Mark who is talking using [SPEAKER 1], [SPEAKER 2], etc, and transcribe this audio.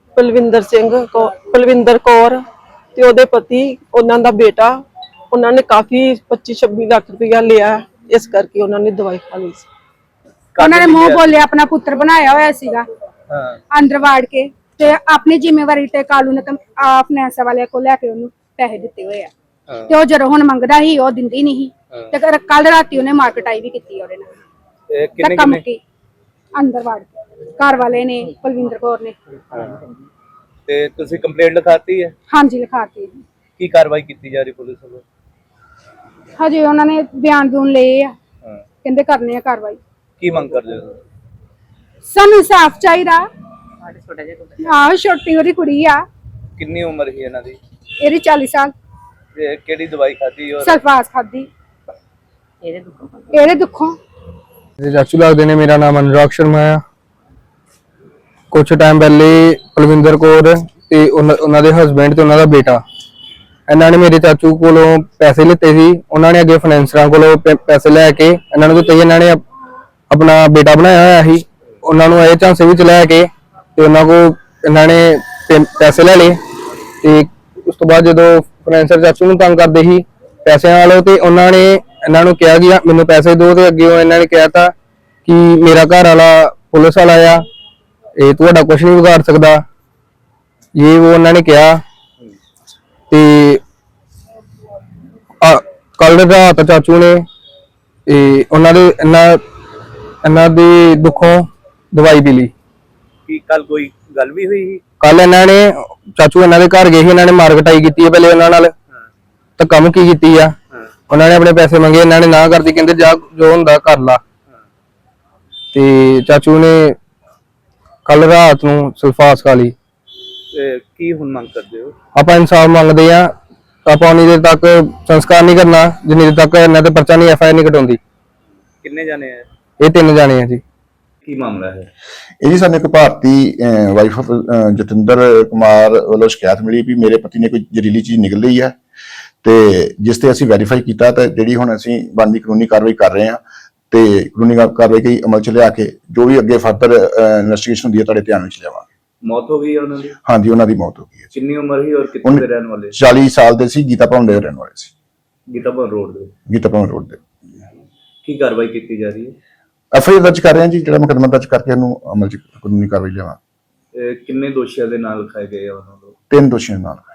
[SPEAKER 1] ਪਲਵਿੰਦਰ ਕੌਰ ਤੇ ਉਹਦੇ ਪਤੀ, ਉਹਨਾਂ ਦਾ ਬੇਟਾ। ਉਹਨਾਂ ਨੇ ਕਾਫੀ 25-26 ਲੱਖ ਰੁਪਇਆ ਲਿਆ, ਇਸ ਕਰਕੇ ਉਹਨਾਂ ਨੇ ਦਵਾਈ ਖਾ ਲਈ ਸੀ।
[SPEAKER 2] ਉਹਨਾਂ ਨੇ ਮੂੰਹ ਬੋਲਿਆ ਆਪਣਾ ਪੁੱਤਰ ਬਣਾਇਆ ਹੋਇਆ ਸੀਗਾ ਅੰਦਰ ਵਾੜ ਕੇ, ਤੇ ਆਪਣੀ ਜ਼ਿੰਮੇਵਾਰੀ ਤੇ ਕਾਲੂ ਨੇ ਫਾਈਨੈਂਸ ਵਾਲਿਆਂ ਕੋਲ ਲੈ ਕੇ ਉਹਨੂੰ ਪੈਸੇ ਦਿੱਤੇ ਹੋਏ ਆ। ਤੇ ਉਹ ਜਦੋਂ ਹੁਣ ਮੰਗਦਾ ਸੀ ਉਹ ਦਿੰਦੀ ਨਹੀਂ ਸੀ। ਤੇ ਕੱਲ ਰਾਤੀ ਉਹਨੇ ਮਾਰਕਟਾਈ ਵੀ ਕੀਤੀ ਉਹਦੇ ਨਾਲ, ਕੰਮ ਕੀ ਅੰਦਰ ਵਾੜ ਕੇ ਘਰ ਵਾਲੇ ਨੇ, ਪਲਵਿੰਦਰ ਕੌਰ ਨੇ।
[SPEAKER 3] ਤੇ ਤੁਸੀਂ ਕੰਪਲੇਂਟ ਲਿਖਾਤੀ ਹੈ?
[SPEAKER 2] ਹਾਂਜੀ ਲਿਖਾਤੀ।
[SPEAKER 3] ਕੀ ਕਾਰਵਾਈ ਕੀਤੀ ਜਾ ਰਹੀ ਪੁਲਿਸ ਵੱਲੋਂ?
[SPEAKER 2] ਹਜੇ ਉਹਨਾਂ ਨੇ ਬਿਆਨ ਲਏ ਆ, ਕਹਿੰਦੇ ਕਰਨੇ ਆ ਕਾਰਵਾਈ।
[SPEAKER 3] ਕੀ ਮੰਗ ਕਰਦੇ ਹੋ?
[SPEAKER 2] ਸਾਨੂੰ ਸਾਫ਼ ਚਾਹੀਦਾ। ਆਹ ਛੋਟੀ ਉਹਦੀ ਕੁੜੀ ਆ।
[SPEAKER 3] ਕਿੰਨੀ ਉਮਰ ਸੀ ਇਹਨਾਂ ਦੀ?
[SPEAKER 2] ਇਹਦੀ 40 ਸਾਲ।
[SPEAKER 3] ਤੇ ਕਿਹੜੀ ਦਵਾਈ ਖਾਧੀ? ਔਰ
[SPEAKER 2] ਸਲਫਾਸ ਖਾਦੀ ਇਹਦੇ ਦੁੱਖੋਂ।
[SPEAKER 4] ਚਾਚੂ ਲੱਗਦੇ ਨੇ। ਮੇਰਾ ਨਾਮ ਅਨੁਰਾਗ ਸ਼ਰਮਾ ਆ। ਕੁछ टाइम पहले पलविंदर कौर ते उन्हां दे हसबैंड ते उन्हां दा बेटा, इन्हां ने मेरे चाचू कोलों पैसे लिते सी। उन्हां ने अगे फाइनेंसरां कोलों पैसे लैके इन्हां नूं दित्ते। इन्हां ने अपना बेटा बनाया होया सी। उन्हां नूं इह झांसे विच लैके ते उन्हां कोल इन्हां ने पैसे ले लए। ते उस तो बाद जदों फाइनेंसर चाचू नूं तंग करदे सी पैसिਆਂ वालों, ते उन्हां ने इन्हां नूं कहा कि मैनूं पैसे दो। ते अगे इन्हां ने कहता कि मेरा घर वाला पुलिस वाला आ, ਇਹ ਤੁਹਾਡਾ ਕੁਝ ਨਹੀਂ ਵਿਗਾੜ ਸਕਦਾ, ਇਹ ਉਹ ਉਹਨਾਂ ਨੇ ਕਿਹਾ। ਤੇ ਕੱਲ ਰਾਤ ਚਾਚੂ ਨੇ ਉਹਨਾਂ ਦੇ ਦੁੱਖੋਂ ਦਵਾਈ ਪੀ ਲਈ।
[SPEAKER 3] ਕੀ ਕੱਲ ਕੋਈ ਗੱਲ ਵੀ ਹੋਈ ਸੀ?
[SPEAKER 4] ਕੱਲ ਇਹਨਾਂ ਨੇ ਚਾਚੂ ਇਹਨਾਂ ਦੇ ਘਰ ਗਏ ਸੀ। ਇਹਨਾਂ ਨੇ ਮਾਰਕਟਾਈ ਕੀਤੀ ਹੈ ਪਹਿਲੇ ਉਹਨਾਂ ਨਾਲ, ਤਾਂ ਕੰਮ ਕੀ ਕੀਤੀ ਆ। ਉਹਨਾਂ ਨੇ ਆਪਣੇ ਪੈਸੇ ਮੰਗੇ, ਇਹਨਾਂ ਨੇ ਨਾ ਕਰਦੀ, ਕਹਿੰਦੇ ਜਾ ਜੋ ਹੁੰਦਾ ਕਰ ਲਾ। ਤੇ ਚਾਚੂ ਨੇ ਕੱਲ ਰਾਤ ਨੂੰ ਸਲਫਾਸ ਖਾ ਲਈ।
[SPEAKER 3] ਕੀ ਹੁਣ ਮੰਗ ਕਰਦੇ ਹੋ?
[SPEAKER 4] ਆਪਾਂ ਇਨਸਾਫ ਮੰਗਦੇ ਆ। ਆਪਾਂ ਉਨੀ ਦੇਰ ਤੱਕ ਸੰਸਕਾਰ ਨਹੀਂ ਕਰਨਾ ਜਿੰਨੀ ਦੇਰ ਤੱਕ ਇਹਨਾਂ ਤੇ ਪਰਚਾ ਨਹੀਂ, FIR ਨਹੀਂ ਕਟਾਉਂਦੀ।
[SPEAKER 3] ਕਿੰਨੇ ਜਾਣੇ ਆ
[SPEAKER 4] ਇਹ 3 ਜਾਣੇ ਆ ਜੀ।
[SPEAKER 3] ਕੀ ਮਾਮਲਾ ਹੈ
[SPEAKER 5] ਇਹ ਜੀ? ਸਾਨੂੰ ਇੱਕ ਭਾਰਤੀ ਵਾਈਫ ਆਫ ਜਤਿੰਦਰ ਕੁਮਾਰ ਵੱਲੋਂ ਸ਼ਿਕਾਇਤ ਮਿਲੀ ਵੀ ਮੇਰੇ ਪਤੀ ਨੇ ਕੋਈ ਜ਼ਹਿਰੀਲੀ ਚੀਜ਼ ਨਿਕਲ ਲਈ ਹੈ, ਤੇ ਜਿਸ ਤੇ ਅਸੀਂ ਵੈਰੀਫਾਈ ਕੀਤਾ ਤੇ ਜਿਹੜੀ ਹੁਣ ਅਸੀਂ ਬਣਦੀ ਕਾਨੂੰਨੀ ਕਾਰਵਾਈ ਕਰ ਰਹੇ ਹਾਂ। ਤੇ ਕਾਨੂੰਨੀ ਕਾਰਵਾਈ ਕਈ ਅਮਲ ਚ ਲਿਆ ਕੇ ਜੋ ਵੀ ਅੱਗੇ ਫਰਦਰ ਇਨਵੈਸਟੀਗੇਸ਼ਨ ਹੁੰਦੀ ਹੈ ਤੁਹਾਡੇ ਧਿਆਨ ਵਿੱਚ ਲਿਆਵਾਂਗੇ।
[SPEAKER 3] ਮੌਤ ਹੋ ਗਈ ਹੈ ਉਹਨਾਂ ਦੀ?
[SPEAKER 5] ਹਾਂਜੀ, ਉਹਨਾਂ ਦੀ ਮੌਤ ਹੋ ਗਈ ਹੈ।
[SPEAKER 3] ਕਿੰਨੀ ਉਮਰ ਸੀ ਔਰ ਕਿੱਥੇ ਦੇ ਰਹਿਣ ਵਾਲੇ?
[SPEAKER 5] 40 ਸਾਲ ਦੇ ਸੀ। ਗੀਤਾ ਭਵਨ ਦੇ ਰਹਿਣ ਵਾਲੇ ਸੀ।
[SPEAKER 3] ਗੀਤਾ ਭਵਨ ਰੋਡ ਦੇ?
[SPEAKER 5] ਗੀਤਾ ਭਵਨ ਰੋਡ ਦੇ।
[SPEAKER 3] ਕੀ ਕਾਰਵਾਈ ਕੀਤੀ ਜਾ ਰਹੀ ਹੈ?
[SPEAKER 5] FIR ਦਰਜ ਕਰ ਰਹੇ ਹਾਂ ਜੀ, ਜਿਹੜਾ ਮੁਕੱਦਮਾ ਦਰਜ ਕਰਕੇ ਇਹਨੂੰ ਅਮਲ ਚ ਕਾਨੂੰਨੀ ਕਾਰਵਾਈ ਲਿਆਵਾਂ।
[SPEAKER 3] ਕਿੰਨੇ ਦੋਸ਼ੀਆਂ ਦੇ ਨਾਲ ਲਿਖਾਏ ਗਏ ਆ ਉਹਨਾਂ ਨੂੰ?
[SPEAKER 5] 3 ਦੋਸ਼ੀਆਂ ਨਾਲ।